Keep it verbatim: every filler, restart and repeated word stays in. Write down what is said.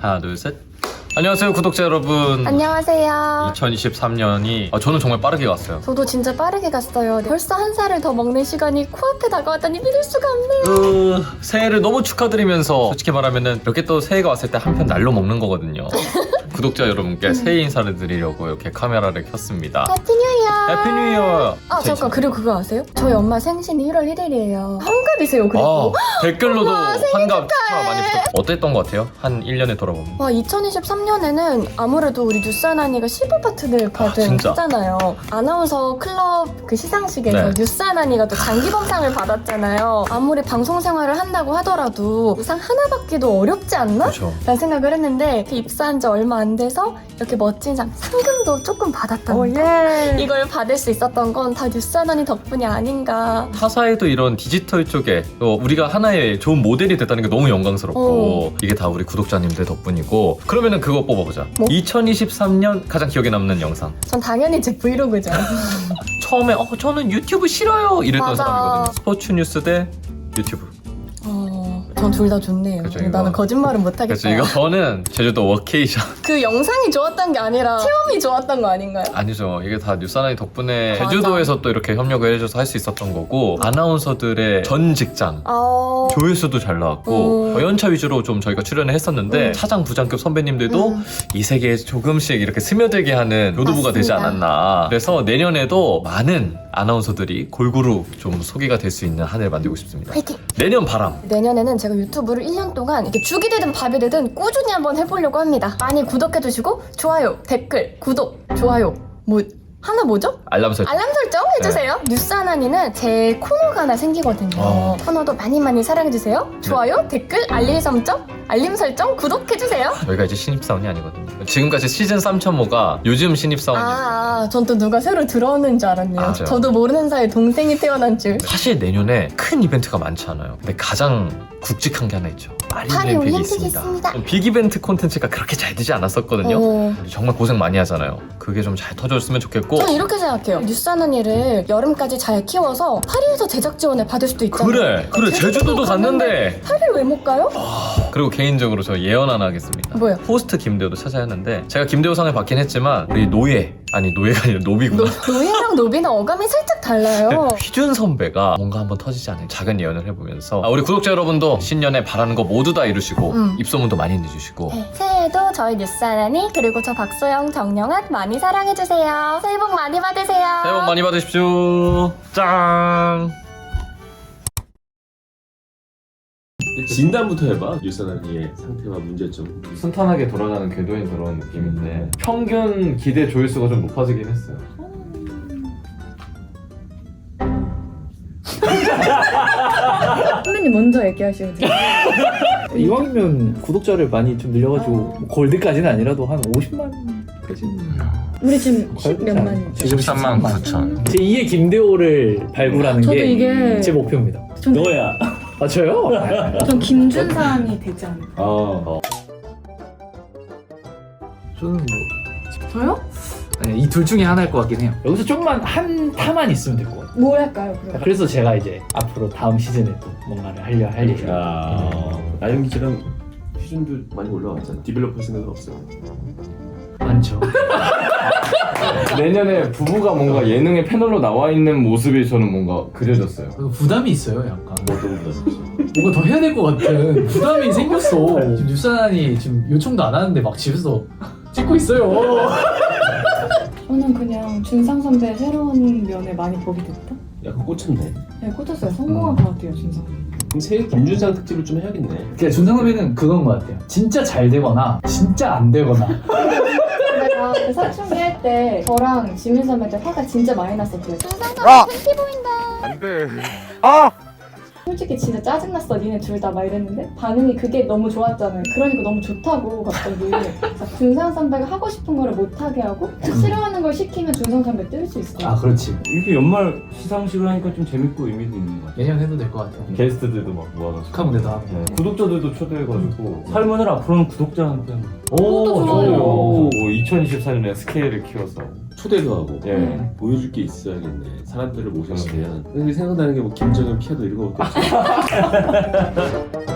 하나 둘 셋. 안녕하세요 구독자 여러분. 안녕하세요. 이천이십삼 년이 아, 저는 정말 빠르게 갔어요. 저도 진짜 빠르게 갔어요. 벌써 한 살을 더 먹는 시간이 코앞에 다가왔다니 믿을 수가 없네요. 으, 새해를 너무 축하드리면서 솔직히 말하면은 이렇게 또 새해가 왔을 때 한편 날로 먹는 거거든요. 구독자 여러분께 음. 새해 인사를 드리려고 이렇게 카메라를 켰습니다. 해피 뉴 이어. 해피 뉴 이어. 아 잠깐, 그리고 그거 아세요? 저희 엄마 생신이 일월 일일이에요. 환갑이세요. 그리고 아, 댓글로도 엄마, 생일 환갑 축하 축하해. 많이 부탁. 어땠던 것 같아요? 한 일 년에 돌아보면. 와, 이천이십삼 년에는 아무래도 우리 뉴스하나니가 십오 파트를 받은 진짜? 했잖아요. 아나운서 클럽 그 시상식에서 네. 뉴스하나니가 또 장기범상을 받았잖아요. 아무리 방송 생활을 한다고 하더라도 상 하나 받기도 어렵지 않나? 그렇죠. 라는 생각을 했는데 입사한 지 얼마 안 돼서 이렇게 멋진 상, 상금도 조금 받았답니다. 이걸 받을 수 있었던 건 다 뉴스하나니 덕분이 아닌가. 타사에도 이런 디지털 쪽에 또 우리가 하나의 좋은 모델이 됐다는 게 너무 영광스럽고 이게 다 우리 구독자님들 덕분이고. 그러면은 그거 뽑아보자. 뭐? 이천이십삼 년 가장 기억에 남는 영상. 전 당연히 제 브이로그죠. 처음에 어 저는 유튜브 싫어요 이랬던 맞아. 사람이거든요. 스포츠 뉴스 대 유튜브. 어, 전 둘 다 좋네요. 그쵸, 나는 이거. 거짓말은 못하겠다. 그래서 이거 저는 제주도 워케이션. 그 영상이 좋았던 게 아니라 체험이 좋았던 거 아닌가요? 아니죠. 이게 다 뉴스하나이 덕분에 맞아. 제주도에서 또 이렇게 협력을 해줘서 할 수 있었던 거고, 아나운서들의 전 직장 어... 조회수도 잘 나왔고 음. 어, 연차 위주로 좀 저희가 출연을 했었는데 음. 차장 부장급 선배님들도 음. 이 세계에 조금씩 이렇게 스며들게 하는 교두부가 되지 맞습니다. 않았나. 그래서 내년에도 많은 아나운서들이 골고루 좀 소개가 될 수 있는 한 해를 만들고 싶습니다. 화이팅! 내년 바람. 내년에는 제가 유튜브를 일 년 동안 이렇게 죽이 되든 밥이 되든 꾸준히 한번 해보려고 합니다. 많이 구독해주시고 좋아요, 댓글, 구독, 좋아요 뭐 하나 뭐죠? 알람 설정. 알람 설정 해주세요. 뉴스 하나니는 제 코너가 하나 생기거든요. 어. 코너도 많이 많이 사랑해주세요. 좋아요, 댓글, 알림 설정, 알림 설정, 구독해주세요. 저희가 이제 신입사원이 아니거든요. 지금까지 시즌 삼 점 오가 요즘 신입사원이에요. 아, 전 또 누가 새로 들어오는 줄 알았네요. 맞아요. 저도 모르는 사이에 동생이 태어난 줄. 사실 내년에 큰 이벤트가 많지 않아요. 근데 가장 굵직한 게 하나 있죠. 파리 마린의 빅이 올림픽이 있습니다. 있습니다. 빅 이벤트 콘텐츠가 그렇게 잘 되지 않았었거든요. 어. 우리 정말 고생 많이 하잖아요. 그게 좀 잘 터졌으면 좋겠고. 저는 이렇게 생각해요. 뉴스 하나니를 여름까지 잘 키워서 파리에서 제작 지원을 받을 수도 있잖아요. 그래 그래 제주도도 갔는데. 파리를 왜 못 가요? 그리고 개인적으로 저 예언 하나 하겠습니다. 뭐요? 호스트 김대호도 찾아야 하는데 제가 김대호상을 받긴 했지만 우리 노예 아니 노예가 아니라 노비구나. 노, 노예랑 노비는 어감이 살짝 달라요. 휘준 선배가 뭔가 한번 터지지 않을 작은 예언을 해보면서 아, 우리 구독자 여러분도 신년에 바라는 거 모두 다 이루시고 음. 입소문도 많이 내주시고 네, 새해에도 저희 뉴스 하나니 그리고 저 박소영, 정영한 많이 사랑해주세요. 새해 복 많이 받으세요. 새해 복 많이 받으십시오. 짱. 진단부터 해봐. 뉴스하나니의 상태와 문제점. 순탄하게 돌아가는 궤도인 그런 느낌인데 평균 기대 조회수가 좀 높아지긴 했어요. 선배님 먼저 얘기하시면 돼요. 이왕이면 구독자를 많이 좀 늘려가지고 뭐 골드까지는 아니라도 한 오십만까지는 우리 지금 십 몇만이죠. 지금 십삼만 구천. 제이의 김대호를 발굴하는 저도 게 이게 제 목표입니다. 좀, 너야. 아 저요? 전 김준상이 되지 않을까. 어. 저는 뭐 저요? 이 둘 중에 하나일 것 같긴 해요. 여기서 좀만 한 타만 있으면 될 것 같아요. 뭘 할까요? 그럼? 그래서 제가 이제 앞으로 다음 시즌에 또 뭔가를 하려 할 예정이에요. 아. 나영 기처럼 수준도 많이 올라왔잖아. 디벨로퍼 생각은 없어요. 많죠. 내년에 부부가 뭔가 예능의 패널로 나와 있는 모습이 저는 뭔가 그려졌어요. 부담이 있어요, 약간. 어떤 거다. 뭔가 더 해야 될 것 같은 부담이 생겼어. 지금 뉴스하나니 지금 요청도 안 하는데 막 집에서 찍고 있어요. 저는 그냥 준상 선배의 새로운 면을 많이 보게 됐다. 약간 꽂혔네. 네, 꽂혔어요. 성공한 것 같아요, 준상. 그럼 새해 김준상 특집을 좀 해야겠네. 그러니까 준상선배는 그건 것 같아요. 진짜 잘 되거나 진짜 안 되거나. 내가 그 사춘기 할 때 저랑 지민 선배한테 화가 진짜 많이 났었대요. 준상 선배 팬티 보인다. 안돼. 솔직히 진짜 짜증났어 니네 둘 다 막 이랬는데 반응이 그게 너무 좋았잖아요. 그러니까 너무 좋다고 갑자기 그래서 준상 선배가 하고 싶은 거를 못하게 하고 싫어하는 걸 시키면 준상 선배 뜰 수 있어요. 아 그렇지. 이렇게 연말 시상식을 하니까 좀 재밌고 의미도 있는 것 같아요. 내년 해도 될 것 같아요. 게스트들도 막 모아가지고 축하 무대도 하고. 네. 구독자들도 초대해가지고 설문을 앞으로는 구독자한테 오, 좋아요. 오, 이천이십사 년에 스케일을 키워서 초대도 하고 예. 보여줄 게 있어야겠네. 사람들을 모셔놓으면. 근데 생각나는 게 뭐 김정은 피아노 이런 거밖에 없어.